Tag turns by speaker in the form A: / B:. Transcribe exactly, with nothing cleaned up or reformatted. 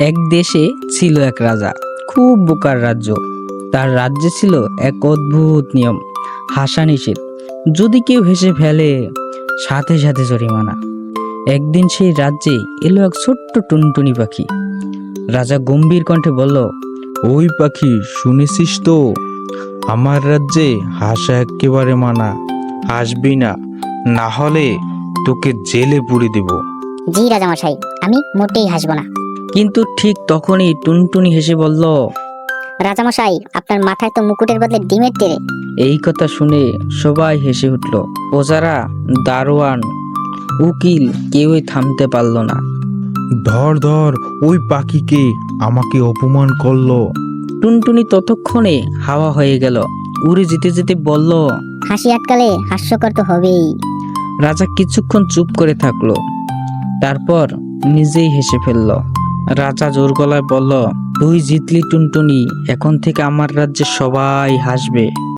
A: এক দেশে ছিল এক রাজা, খুব বোকার রাজ্য। তার রাজ্যে ছিল এক অদ্ভুত নিয়ম, হাসা নিষেধ। যদি কেউ হেসে ফেলে, সাথে সাথে জরিমানা। একদিন সেই রাজ্যে এলো এক ছোট্ট টুনটুনি পাখি। রাজা গম্ভীর কণ্ঠে বলল,
B: ওই পাখি, শুনেছিস তো, আমার রাজ্যে হাসা একেবারে মানা। হাসবি না, না হলে তোকে জেলে পুরে দেব।
C: জি রাজামশাই, আমি মোটেই হাসবো না।
A: কিন্তু ঠিক তখনই টুনটুনি হেসে বলল,
C: রাজামশাই, আপনার মাথায় তো মুকুটের বদলে ডিমের তেরে।
A: এই কথা শুনে সবাই হেসে উঠল। প্রজারা, দারোয়ান, উকিল কেউই থামতে পারল না।
B: ধর ধর ওই পাখিকে, আমাকে অপমান করলো।
A: টুনটুনি ততক্ষণে হাওয়া হয়ে গেল, উড়ে যেতে যেতে বলল।
C: হাসি আটকালে হাস্যকর তো হবেই।
A: রাজা কিছুক্ষণ চুপ করে থাকলো, তারপর নিজেই হেসে ফেলল। রাজা জোর গলায় বলল, তুই জিতলি টুনটুনি, এখন থেকে আমার রাজ্যে সবাই হাসবে।